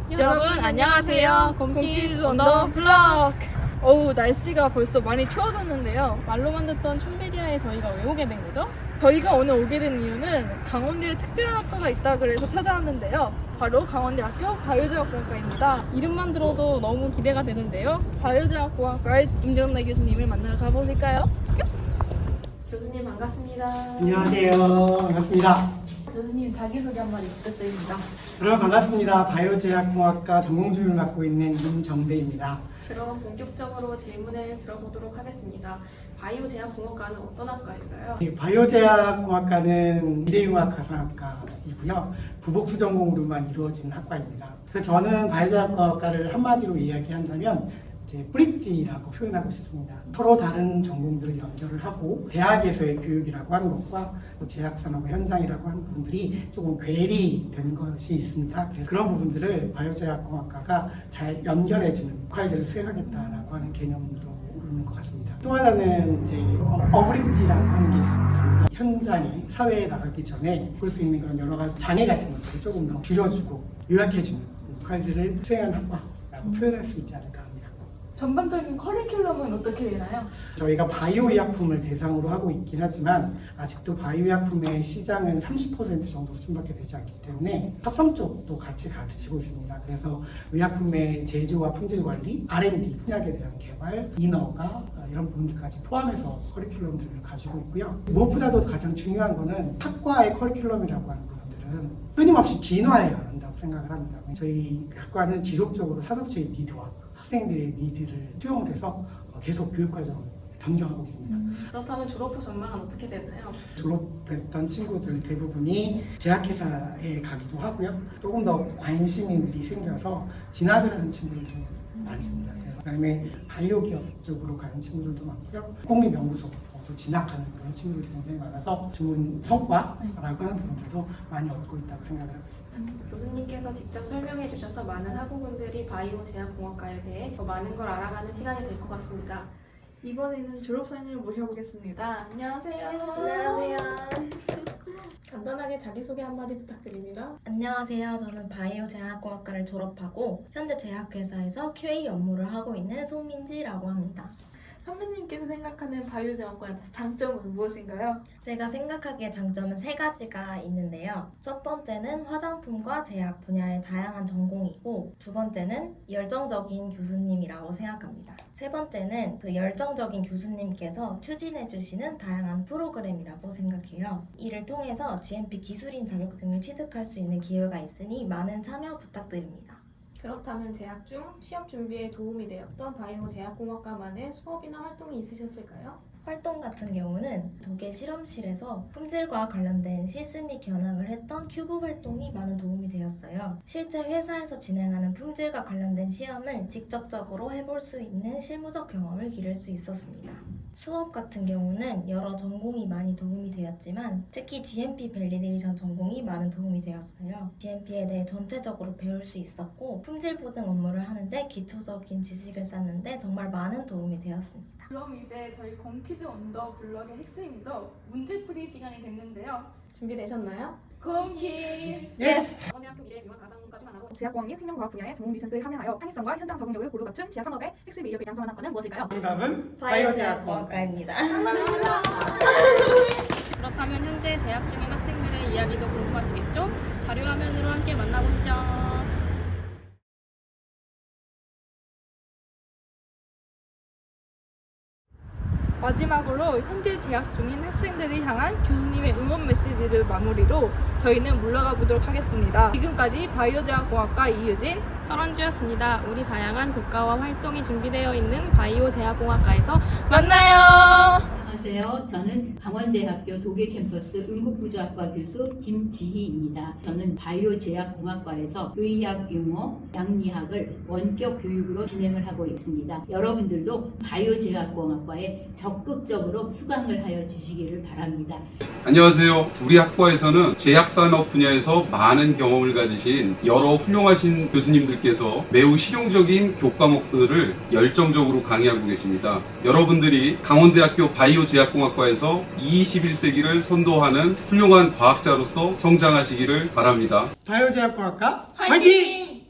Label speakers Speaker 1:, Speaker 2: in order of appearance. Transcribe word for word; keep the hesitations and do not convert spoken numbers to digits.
Speaker 1: 여러분 안녕하세요. 곰키즈 언더 블럭. 어우, 날씨가 벌써 많이 추워졌는데요.
Speaker 2: 말로만 듣던 춘베리아에 저희가 왜 오게 된 거죠?
Speaker 1: 저희가 오늘 오게 된 이유는 강원대에 특별한 학과가 있다 그래서 찾아왔는데요. 바로 강원대학교 바이오제약공학과입니다.
Speaker 2: 이름만 들어도 너무 기대가 되는데요.
Speaker 1: 바이오제약공학과의 임정래 교수님을 만나러 가보실까요?
Speaker 2: 교수님 반갑습니다.
Speaker 3: 안녕하세요. 반갑습니다.
Speaker 2: 교수님 자기소개 한마디 부탁드립니다.
Speaker 3: 여러분 반갑습니다. 바이오제약공학과 전공주를 맡고 있는 임정대입니다.
Speaker 2: 그럼 본격적으로 질문을 들어보도록 하겠습니다. 바이오제약공학과는 어떤 학과일까요?
Speaker 3: 이 바이오제약공학과는 미래융합 가상학과이고요. 부복수 전공으로만 이루어진 학과입니다. 그래서 저는 바이오제약공학과를 한마디로 이야기한다면 이제 브릿지라고 표현하고 싶습니다. 서로 다른 전공들을 연결을 하고 대학에서의 교육이라고 하는 것과 또 제약산업 현장이라고 하는 부분들이 조금 괴리된 것이 있습니다. 그래서 그런 부분들을 바이오제약공학과가 잘 연결해주는 역할들을 수행하겠다라고 하는 개념으로 있는 것 같습니다. 또 하나는 이제 어브릿지라고 하는 게 있습니다. 현장에 사회에 나가기 전에 볼 수 있는 그런 여러 가지 장애 같은 것들을 조금 더 줄여주고 요약해주는 역할들을 수행한 학과라고 표현할 수 있지 않을까 합니다.
Speaker 1: 전반적인 커리큘럼은 어떻게 되나요?
Speaker 3: 저희가 바이오 의약품을 대상으로 하고 있긴 하지만 아직도 바이오 의약품의 시장은 삼십 퍼센트 정도 수준밖에 되지 않기 때문에 합성 쪽도 같이 가르치고 있습니다. 그래서 의약품의 제조와 품질 관리, 알 앤 디, 신약에 대한 개발, 인허가 이런 부분들까지 포함해서 커리큘럼들을 가지고 있고요. 무엇보다도 가장 중요한 거는 학과의 커리큘럼이라고 하는 부분들은 끊임없이 진화해야 한다고 생각을 합니다. 저희 학과는 지속적으로 산업체의 니드와 학생들의 니드를 수용을 해서 계속 교육과정을 변경하고 있습니다.
Speaker 2: 음, 그렇다면 졸업 후 전망은 어떻게 되나요?
Speaker 3: 졸업했던 친구들 대부분이 제약회사에 가기도 하고요. 조금 더 관심이 생겨서 진학을 하는 친구들도 많습니다. 그래서 그다음에 바이오 기업 쪽으로 가는 친구들도 많고요. 공립연구소도 진학하는 그런 친구들이 굉장히 많아서 좋은 성과라고 하는 부분들도 많이 얻고 있다고 생각을 하고 있습니다.
Speaker 2: 교수님께서 직접 설명해 주셔서 많은 학우분들이 바이오제약공학과에 대해 더 많은 걸 알아가는 시간이 될 것 같습니다.
Speaker 1: 이번에는 졸업생을 모셔보겠습니다. 안녕하세요.
Speaker 4: 안녕하세요.
Speaker 2: 간단하게 자기소개 한마디 부탁드립니다.
Speaker 4: 안녕하세요. 저는 바이오제약공학과를 졸업하고 현재 제약회사에서 큐에이 업무를 하고 있는 송민지라고 합니다.
Speaker 1: 선배님께서 생각하는 바이오제약과의 장점은 무엇인가요?
Speaker 4: 제가 생각하기에 장점은 세 가지가 있는데요. 첫 번째는 화장품과 제약 분야의 다양한 전공이고, 두 번째는 열정적인 교수님이라고 생각합니다. 세 번째는 그 열정적인 교수님께서 추진해 주시는 다양한 프로그램이라고 생각해요. 이를 통해서 지엠피 기술인 자격증을 취득할 수 있는 기회가 있으니 많은 참여 부탁드립니다.
Speaker 2: 그렇다면 재학 중 시험 준비에 도움이 되었던 바이오제약공학과만의 수업이나 활동이 있으셨을까요?
Speaker 4: 활동 같은 경우는 독일 실험실에서 품질과 관련된 실습 및 견학을 했던 큐브 활동이 많은 도움이 되었어요. 실제 회사에서 진행하는 품질과 관련된 시험을 직접적으로 해볼 수 있는 실무적 경험을 기를 수 있었습니다. 수업 같은 경우는 여러 전공이 많이 도움이 되었지만 특히 지엠피 밸리데이션 전공이 많은 도움이 되었어요. 지엠피에 대해 전체적으로 배울 수 있었고 품질 보증 업무를 하는데 기초적인 지식을 쌓는데 정말 많은 도움이 되었습니다.
Speaker 1: 그럼 이제 저희 곰키즈 언더 블럭의 핵심이죠. 문제풀이 시간이 됐는데요.
Speaker 2: 준비되셨나요?
Speaker 1: 곰키즈!
Speaker 3: 예스!
Speaker 2: 강원대학교 미래융합 가상까지만 하고
Speaker 5: 제약공학 및 생명과학 분야의 전공 지식을 함양하여 창의성과 현장 적응력을 고루 갖춘 제약 산업의 핵심 인력을 양성한 학과는 무엇일까요?
Speaker 3: 정답은
Speaker 4: 바이오제약공학과입니다.
Speaker 2: 그렇다면 현재 재학 중인 학생들의 이야기도 궁금하시겠죠? 자료 화면으로 함께 만나보시죠.
Speaker 1: 마지막으로 현재 재학 중인 학생들을 향한 교수님의 응원 메시지를 마무리로 저희는 물러가 보도록 하겠습니다. 지금까지 바이오제약공학과 이유진,
Speaker 2: 설원주였습니다. 우리 다양한 교과와 활동이 준비되어 있는 바이오제약공학과에서
Speaker 1: 만나요!
Speaker 6: 안녕하세요. 저는 강원대학교 독일 캠퍼스 응급구조학과 교수 김지희입니다. 저는 바이오제약공학과에서 의학 용어, 양리학을 원격 교육으로 진행을 하고 있습니다. 여러분들도 바이오제약공학과에 적극적으로 수강을 하여 주시기를 바랍니다.
Speaker 7: 안녕하세요. 우리 학과에서는 제약산업 분야에서 많은 경험을 가지신 여러 훌륭하신 교수님들께서 매우 실용적인 교과목들을 열정적으로 강의하고 계십니다. 여러분들이 강원대학교 바이오제약공학과에서 이십일 세기를 선도하는 훌륭한 과학자로서 성장하시기를 바랍니다.
Speaker 3: 바이오제약공학과
Speaker 1: 화이팅!